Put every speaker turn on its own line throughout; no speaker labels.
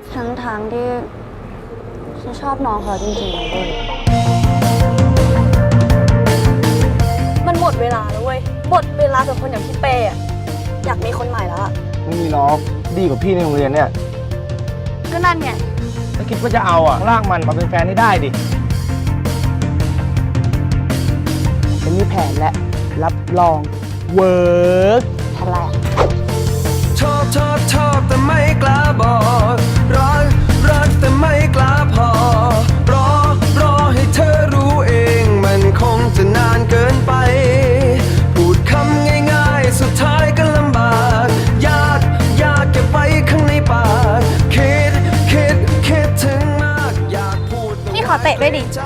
ทั้งที่ฉันชอบน้องเขาจริงๆเลย
มันหมดเวลาแล้วเว้ยหมดเวลาสำหรับคนอย่างพี่เป้อะอยากมีคนใหม่แล้วอะ
ไม่มีล็อกดีกว่าพี่ในโรงเรียนเนี่ย
ก็นั่นไง
ถ้าคิดว่าจะเอาลากมันมาเป็นแฟนให้ได้ดิฉันมีแผนและรับรองเวิร์ก
อะไรอะ
ชอบแต่ไม่กล้าบอกรักแต่ไม่กล้าพอรอให้เธอรู้เองมันคงจะนานเกินไปพูดคำง่ายๆสุดท้ายก็ลำบากยากเก็บไว้ข้างในปากคิดถึงมากอยากพูด
พี่ขอเตะด้วยดิ
ใจ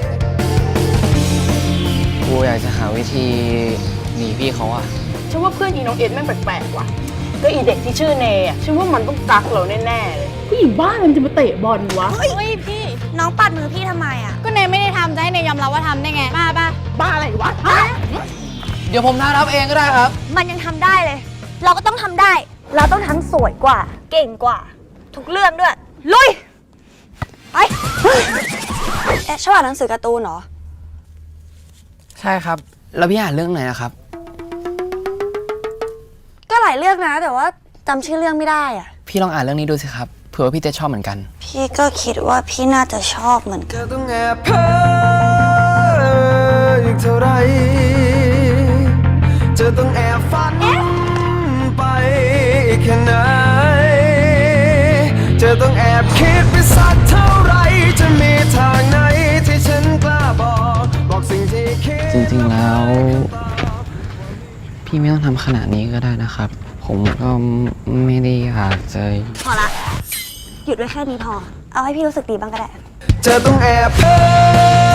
กูอยากจะหาวิธีหนีพี่เขาอะ
ฉันว่าเพื่อนอีน้องเอ็ดแม่งแปลกๆว่ะก็อีเด็กที่ชื่อเนอ่ะฉันว่ามันต้องกักเราแน่ๆเลยผู้หญิงบ้านมันจะมาเตะบอลวะ
เฮ้ยพี่น้องปัดมือพี่ทำไมอะก็เนยไม่ได้ทำจะให้เนยยอมรับว่าทำได้ไงบ้า
บ้าอะไรวะฮะ
เดี๋ยวผมท้ารับเองก็ได้ครับ
มันยังทำได้เลย เราก็ต้องทำได้ เราต้องทั้งสวยกว่า เก่งกว่า ทุกเรื่องด้วยลุยไป
ชอบอ่านหนังสือการ์ตูนเหรอ
ใช่ครับ แล้วพี่อ่านเรื่องไหนนะครับ
ก็หลายเรื่องนะ แต่ว่าจำชื่อเรื่องไม่ได้อ่ะ
พี่ลองอ่านเรื่องนี้ดูสิครับ เผื่อว่าพี่จะชอบเหมือนกัน
พี่ก็คิดว่าพี่น่าจะชอบเหมือนกัน
จะต้องแอบเพ้ออีกเท่าไรจะต้องแอบฝันไปอีกแค่ไหนจะต้องแอบคิดไปสักเท่าไรจะมีทางไหนที่ฉันกล้าบอกสิ่งที่คิด
จริงๆแล้ว พี่ไม่ต้องทำขนาดนี้ก็ได้นะครับ ผมก็ไม่ได้อยากจะ
พอละ หยุดไว้แค่นี้พอ เอาให้พี่รู้สึกดีบ้างก็ได้
จะต้องแอบเพ้อ